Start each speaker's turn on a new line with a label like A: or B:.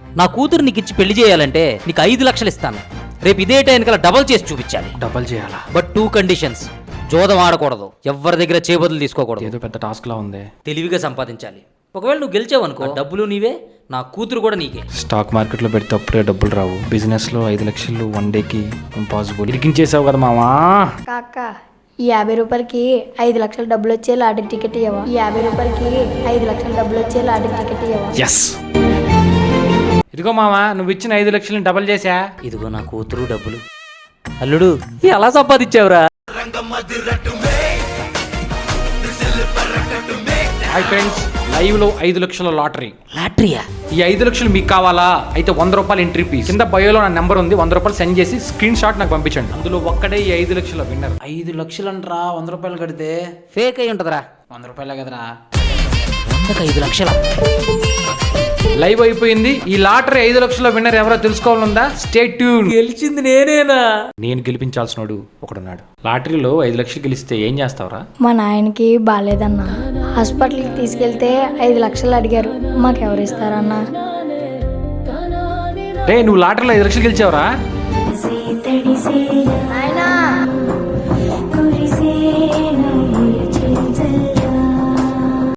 A: నా కూతురు నీకు ఇచ్చి పెళ్లి చేయాలంటే నీకు 5 లక్షలు ఇస్తాను. రేపు ఇదే టైంకల్లా డబల్ చేసి చూపించాలి.
B: డబల్ చేయాలా?
A: But 2 conditions. జోదం ఆడకూడదు, ఎవరి దగ్గర చేబదులు తీసుకోకూడదు.
B: ఏదో పెద్ద టాస్క్ లా ఉంది.
A: తెలివిగా సంపాదించాలి. ఒకవేళ నువ్వు గెలిచావనుకో డబ్బులు నీవే, నా కూతురు కూడా నీకే.
B: స్టాక్ మార్కెట్లో పెడితే అప్పుడే డబ్బులు రావు. బిజినెస్లో 5 లక్షలు 1 డేకి ఇంపాసిబుల్. ఇరికించేసావు కదా మామా.
C: కాక ఈ 50 రూపాయలకి 5 లక్షల డబ్బులు వచ్చే లాటరీ టికెట్ ఇవ్వవా? ఈ 50 రూపాయలకి 5 లక్షల డబ్బులు వచ్చే లాటరీ టికెట్ ఇవ్వవా?
B: ఎస్. ఇదిగో మామా, నువ్వు ఇచ్చిన 5 లక్షలని డబల్ చేసా.
A: ఇదిగో నా కూతురు డబ్బులు. అల్లుడు ఎలా సంపాదించావురా?
B: హాయ్ ఫ్రెండ్స్, లైవ్ లో 5 లక్షల లాటరీ.
A: లాటరీయా?
B: ఈ 5 లక్షలు మీకు కావాలా? అయితే 100 రూపాయలు ఎంట్రీ ఫీజ్. కింద బయోలో నా నెంబర్ ఉంది, 100 రూపాయలు సెండ్ చేసి స్క్రీన్ షాట్ నాకు పంపించండి. అందులో ఒక్కడే ఈ 5 లక్షల విన్నర్. 5 లక్షలు అంటరా, 100 రూపాయలు కడితే
A: ఫేక్ అయి ఉంటదిరా.
B: 100 రూపాయలే కదరా.
A: 5 లక్షల
B: లైవ్ అయిపోయింది. ఈ లాటరీ 5 లక్షల విన్నర్ ఎవరో తెలుసుకోవాలందా? Stay tune.
A: గెలిచింది నేనేనా?
B: నేను గెలిపించాల్సినోడు ఒకడున్నాడు. లాటరీలో 5 లక్షలు గెలిస్తే ఏం చేస్తావురా?
C: మా నాయనకి బాగాలేదన్నా, హాస్పిటల్కి తీసుకెళ్తే 5 లక్షలు అడిగారు. మాకెవరు ఇస్తారన్నా?
B: రే, నువ్వు లాటరీలో 5 లక్షలు గెలిచావురా?